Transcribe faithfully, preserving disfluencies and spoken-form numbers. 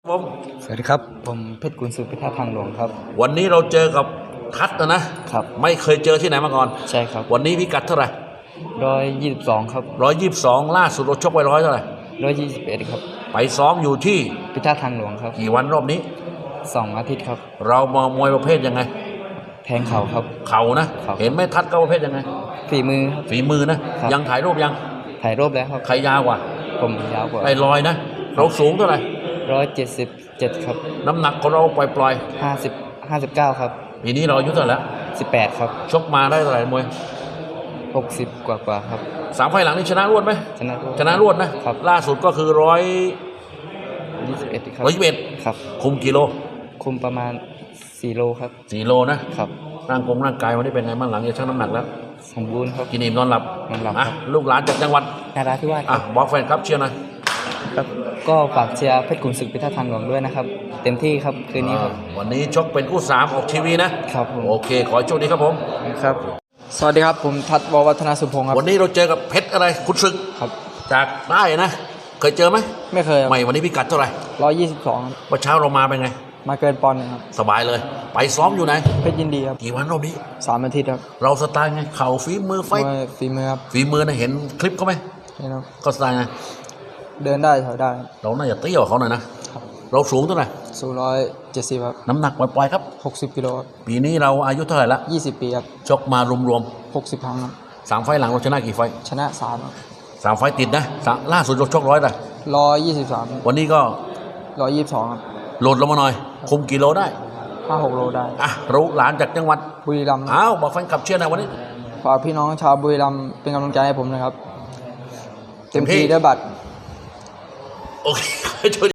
ผมสวัสดีครับผมเพชรกุลสุพิทักษ์ทางหลวงครับวันนี้เราเจอกับทัศน์นะนะครับไม่เคยเจอที่ไหนมาก่อนใช่ครับวันนี้พิกัดเท่าไหร่ร้อยยี่สิบสองครับร้อยยี่สิบสองล่าสุดเราชกไว้ร้อยเท่าไหร่ร้อยยี่สิบเอ็ดครับไปซ้อมอยู่ที่พิทักษ์ทางหลวงครับกี่วันรอบนี้สองอาทิตย์ครับเรามามวยประเภทยังไงแทงเข่าครับเข่านะครับเห็นไหมทัศน์ก็ประเภทยังไงฝีมือครับฝีมือนะครับยังถ่ายรูปยังถ่ายรูปแล้วครับใครยาวกว่าผมยาวกว่าไอ้ลอยนะเราสูงเท่าไหร่ร้อยเจ็ดสิบเจ็ดครับน้ำหนักของเราปล่อยๆห้าสิบห้าสิบเก้าครับปีนี้เราอายุเท่าไหร่แล้วสิบแปดครับชกมาได้เท่าไหร่มวยหกสิบกว่ากว่าครับสามไฟล์หลังนี่ชนะรวดไหมชนะรวดชนะรวดนะครับล่าสุดก็คือร้อยยี่สิบเอ็ดครับร้อยยี่สิบเอ็ดครับคุมกิโลคุมประมาณสี่โลครับสี่โลนะครับร่างกงร่างกายวันนี้เป็นไงบ้างหลังจากชั่งน้ำหนักแล้วสมบูรณ์ครับกินอิ่มนอนหลับนอนหลับอ่ะลูกหลานจากจังหวัดนาราธิวาสอ่ะบอกแฟนครับเชียร์หน่อยครับก็ฝากเชียร์เพชรกุลศึกพิทักษ์ทางหลวงด้วยนะครับเต็มที่ครับคืนนี้ครับวันนี้ชกเป็นคู่สามออกทีวีนะครับโอเคขอให้โชคดีครับผมครับสวัสดีครับผมทัศน์ววัฒนาสุพงศ์ครับวันนี้เราเจอกับเพชรอะไรคุณศึกครับจากใต้นะเคยเจอไหมไม่เคยไม่วันนี้พิกัดเท่าไหร่ร้อยยี่สิบสองวันเช้าเรามาเป็นไงมาเกินปอนด์นึงครับสบายเลยไปซ้อมอยู่ไหนเพชรยินดีครับกี่วันรอบนี้สามอาทิตย์ครับเราสไตล์ไงเข่าฝีมือไฟฝีมือครับฝีมือนะเห็นคลิปเขาไหมเห็นครับก็สไตล์ไงเดินได้ถอยได้เราน่าจะเตี้ยกว่าเขาหน่อยนะเราสูงเท่าไหร่สูงร้อยเจ็ดสิบครับน้ำหนักปล่อยๆครับหกสิบกิโลปีนี้เราอายุเท่าไหร่ละยี่สิบปีครับชกมารวมๆหกสิบครั้งครับสามไฟล์หลังเราชนะกี่ไฟชนะสามสามไฟล์ติดนะล่าสุดเราชกร้อยเลยร้อยยี่สิบสามวันนี้ก็ร้อยยี่สิบสองครับโหลดลงมาหน่อยคุมกิโลได้ห้าหกโลได้อ่ะรู้หลานจากจังหวัดบุรีรัมย์อ้าวบอกแฟนคลับเชียร์หน่อยวันนี้ฝากพี่น้องชาวบุรีรัมย์เป็นกำลังใจให้ผมนะครับเต็มที่ด้วยบัตรโอเค